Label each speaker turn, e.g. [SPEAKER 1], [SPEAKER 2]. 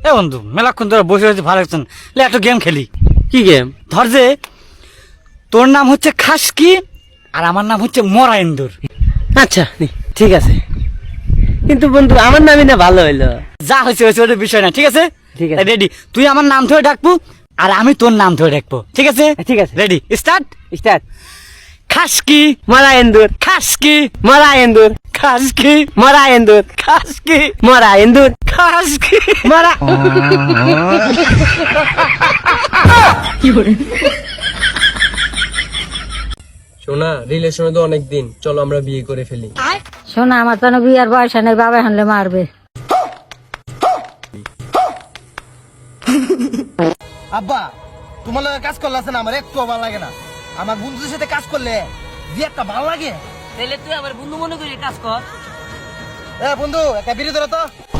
[SPEAKER 1] এ বন্ধু মেলাক্ষণ ধরে বসে রয়েছে, ভালো লাগছে না, লে একটা গেম খেলি।
[SPEAKER 2] কি গেম?
[SPEAKER 1] ধর যে তোর নাম হচ্ছে খাসকি আর আমার নাম হচ্ছে মরা ইন্দুর।
[SPEAKER 2] আচ্ছা ঠিক আছে, কিন্তু বন্ধু আমার নামই না ভালো হইলো।
[SPEAKER 1] যা হয়েছে হয়েছে, ওটা বিষয় না, ঠিক আছে?
[SPEAKER 2] ঠিক আছে।
[SPEAKER 1] রেডি? তুই আমার নাম ধরে ডাকবো আর আমি তোর নাম ধরে ডাকবো, ঠিক আছে?
[SPEAKER 2] ঠিক আছে।
[SPEAKER 1] Ready, start.
[SPEAKER 2] স্টার্ট।
[SPEAKER 1] খাসকি
[SPEAKER 2] মরা এন্দুর,
[SPEAKER 1] খাসকি
[SPEAKER 2] মরা এন্দুর,
[SPEAKER 1] খাসকি
[SPEAKER 2] মরা এন্দুর,
[SPEAKER 1] খাসকি
[SPEAKER 2] মরা এন্দুর,
[SPEAKER 1] খাসকি
[SPEAKER 2] মরা।
[SPEAKER 3] সোনা, রিলেশনে তো অনেক দিন, চলো আমরা বিয়ে করে ফেলি।
[SPEAKER 4] শোনা, আমার তো বিয়ার বয়স নেই, বাবা হানলে মারবে।
[SPEAKER 5] আব্বা, তোমার লগে কাজ করলে আছে না, আমার একটু ভালো লাগে না। আমার বন্ধুদের সাথে কাজ করলে যে একটা ভালো লাগে।
[SPEAKER 2] তাহলে তুই আমার বন্ধু মনে করি কাজ কর।
[SPEAKER 5] এ বন্ধু, একটা বিড়ি ধরো তো।